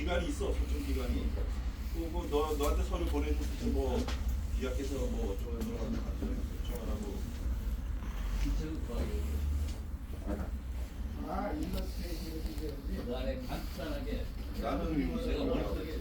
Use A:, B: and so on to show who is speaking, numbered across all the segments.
A: 기간이 있어, 소청 기간이. 뭐 너한테 서류 보내줘서 뭐 기약해서 뭐 어쩌고 저쩌고 하면 소청하라고.
B: 아, 일러스트레이션이
C: 그 안에 간단하게
A: 나는
C: 제가 머릿속에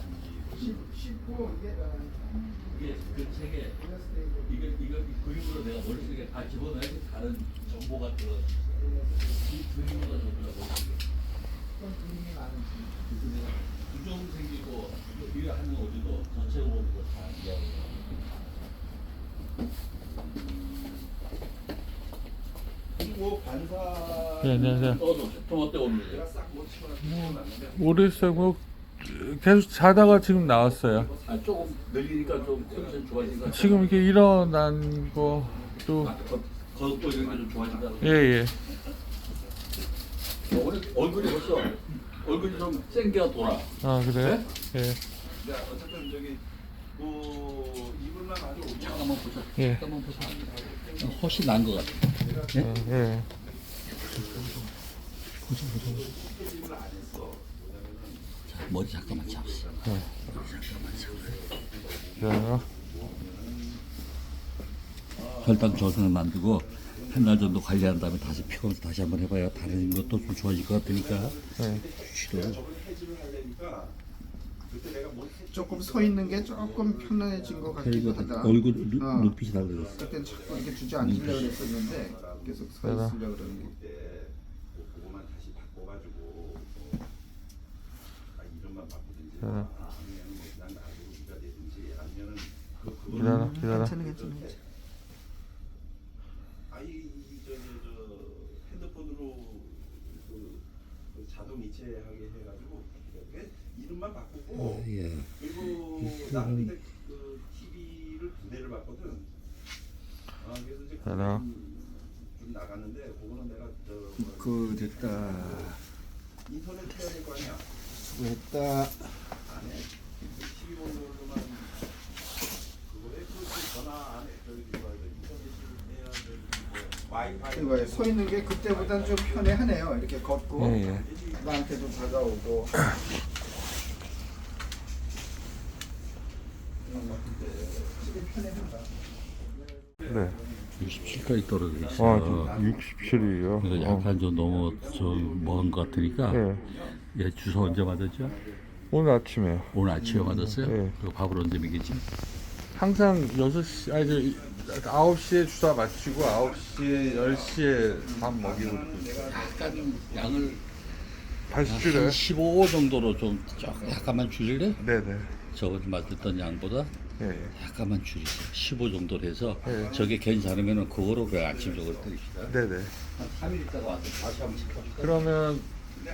B: 쉽고
C: 이게 그 책에 이거 그림으로 내가 머릿속에 다 집어넣어야지 다른 정보가 들어있어요. 이 그림으로 적으려고
B: 어떤 그림이 많은지.
C: 그래서 내가 부정 생기고 이거 하는 어디도 전체적으로 다 이해하고
A: 그리고 반사.
D: 네, 안녕하세요.
C: 좀 어때 오늘?
A: 내가 싹못 치고
D: 모르겠어요. 뭐 계속 자다가 지금 나왔어요.
C: 아 조금 늘리니까 좀 컨디션 좋아진 것 같아요.
D: 지금 이렇게 일어난 것도
C: 거듭도 이런 게 좀 좋아진다.
D: 예예.
C: 오늘 얼굴이 벌써 얼굴이 좀 생기가 돌아.
D: 아 그래요? 예.
A: 야, 어쨌든 저기 이불만 아주 오면
C: 잠깐만 보자.
D: 예.
C: 잠깐만 보자. 훨씬 나은 것 같아.
D: 예.
A: 이불 안 했어.
C: 자, 머리 잠깐만 잡으세요.
D: 자,
C: 혈당 저승을 만들고 한 달 정도 관리한 다음에 다시 피곤해서 다시 한번 해봐야 다른 것도 좀 좋아질 것 같으니까
D: 예.
C: 쉬도록.
A: 저걸 해지를 하려니까 그때 내가 못 했지.
B: 조금 서 있는 게 조금 편안해진 것 같기도 하다.
C: 얼굴
B: 어.
C: 눈빛이 달라졌어.
B: 그땐 자꾸 이렇게 주저앉으려고 그랬었는데 계속 서
D: 내가.
B: 있으려고 그러는 게.
A: 그때 그거만 다시 바꿔가지고 이름만 바꾸든지 아니면 뭐 그냥 놔두고 네가 되든지 아니면은
D: 기다려.
B: 괜찮아.
A: 아이 저 핸드폰으로 그 자동 이체하게 해가지고 이름만 바꾸고
C: 예.
A: 그리고 나는 근데 그 TV를 두 대를 봤거든. 그래서 이제
D: 알아.
A: 좀 나갔는데 그거는 내가
B: 그 됐다.
A: 인터넷 해야 될 거 아니야.
B: 수고했다.
A: 안 해. TV 보는 걸로만 그거에 그 전화 안 해. 저기 뭐야 인터넷을 해야 될 와이파이.
B: 이거에 서 있는 게 그때보단 좀 편해하네요. 이렇게 걷고
D: 예.
B: 나한테도 다가오고. 되게 편해한다.
D: 네.
C: 67까지 떨어져
D: 아,
C: 있어요.
D: 67이요.
C: 그래서 약간 좀 너무 좀 먼 것 같으니까
D: 예.
C: 얘 주사 언제 맞았죠?
D: 오늘 아침에요.
C: 오늘 아침에 맞았어요?
D: 네.
C: 그리고 밥을 언제 먹이지?
D: 항상 6시, 아니, 9시에 주사 마치고 9시에, 10시에 밥 먹이고.
C: 약간 양을
D: 다시
C: 한
D: 줄여요?
C: 15 정도로 좀 약간만 줄일래?
D: 네네.
C: 저번에 맞았던 양보다
D: 예, 예.
C: 약간만 줄이세요. 15 정도로 해서
D: 네.
C: 저게 괜찮으면 그거로 그 아침적으로 때립시다.
D: 네네.
C: 한 3일 있다가 와서 다시 한번 체크합시다.
D: 그러면,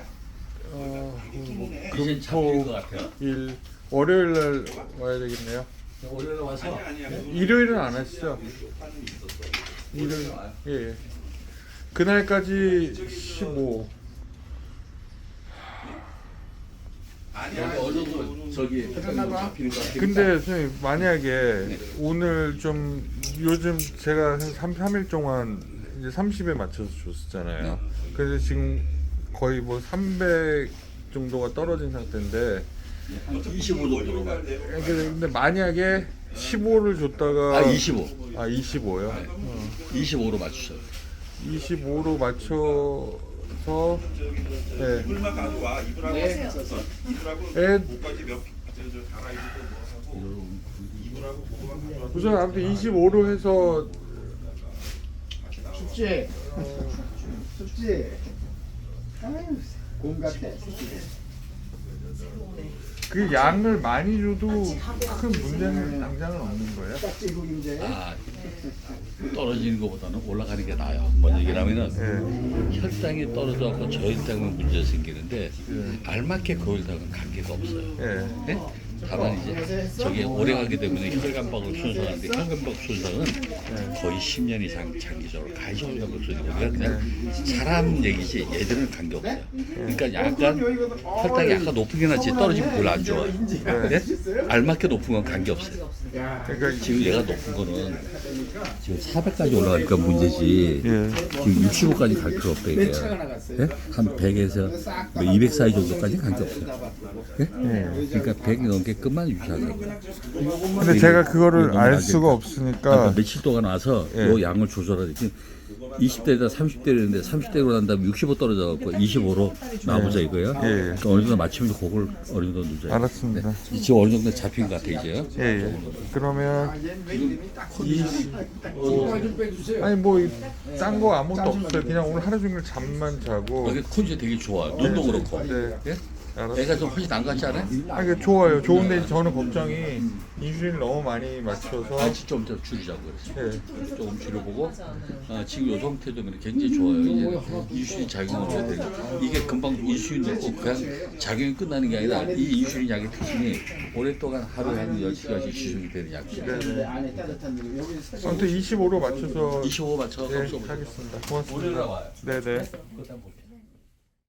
C: 이제 잡힐 것 같아요.
D: 월요일 날 와야 되겠네요.
C: 월요일에 와서
D: 일요일은 안 하시죠? 일요일, 예, 예. 그날까지 15.
C: 여기 어느 정도 저기 혈당이 잡히는 것 같아요.
D: 근데 선생님, 만약에 오늘 좀, 요즘 제가 한 3일 동안 이제 30에 맞춰서 줬었잖아요. 그래서 지금 거의 뭐 300 정도가 떨어진 상태인데,
C: 한 25 정도로 가요.
D: 근데 만약에 15를 줬다가
C: 25.
D: 25요?
C: 25로 맞추세요.
D: 25로 맞춰서 네.
A: 이불만 가져와. 이불하고 이불하고
D: 애-
A: 목까지 저 갈아입고 뭐 하고 이불하고 그거만 가져와.
D: 우선 아무튼 25로 해서
B: 춥지? 춥지? 아유, 곰 같아.
D: 그 양을 많이 줘도 큰 문제는 당장은 없는 거예요?
B: 딱지고 이제.
C: 아, 떨어지는 것보다는 올라가는 게 나아요. 뭔 얘기냐면은
D: 네.
C: 혈당이 떨어져서 저혈당은 문제 생기는데 알맞게 그 혈당은 관계가 없어요.
D: 예.
C: 네? 다만 이제 저게 오래 가게 되면 혈관박을 손상하는데 혈관박 손상은 거의 10년 이상 장기적으로 가히 혈관박 손상이 우리가 그냥 사람 얘기지 얘들은 관계 없어요. 그러니까 약간 혈당이 약간 높은 게 낫지 떨어지면 별로 안 좋아요. 네? 알맞게 높은 건 관계 없어요.
D: 그러니까
C: 지금 얘가 높은 거는 지금 400까지 올라가니까 문제지. 지금 65까지 갈 필요 없다 이게. 예? 한 100에서 200 사이 정도까지 관계 없어요. 예? 그러니까 100 넘게 끝만 유지하자고.
D: 근데 제가 그거를 알 수가 없으니까
C: 그러니까 며칠 동안 와서
D: 예.
C: 요 양을 조절하지. 20대에다 30대였는데 30대로 난 다음에 65 떨어져갖고 25로 나보자 이거야. 그러니까 어느 정도 맞추면 그걸 어느 정도 누져요.
D: 알았습니다.
C: 지금 어느 정도 잡힌 것 같아 이제요.
D: 예. 그러면 아니 뭐 딴 거 아무것도 없어요. 그냥 오늘 하루 종일 잠만 자고.
C: 여기 컨디션 되게 좋아. 눈도 그렇고.
D: 네.
C: 예?
D: 알았어요.
C: 애가 좀 훨씬 안 같지 않아요?
D: 아, 이게 좋아요. 좋은데 저는 걱정이 인슐린 너무 많이 맞춰서
C: 아, 좀 줄이자고 그랬어.
D: 예.
C: 조금 줄여보고 지금 요 상태도 굉장히 좋아요. 이제 인슐린 작용을 해야 되니까 이게 금방 인슐린 넣고 그냥 작용이 끝나는 게 아니라 이 인슐린 약의 특징이 오랫동안 하루에 한 10시간씩 지속이 되는 약이에요.
B: 안에 따뜻한 데 여기
D: 아무튼 25로 맞춰서
C: 25 맞춰서
D: 예,
C: 써보세요.
D: 하겠습니다.
C: 오늘
D: 고맙습니다.
C: 나와요.
D: 네네.
C: 그거 한번 볼게요.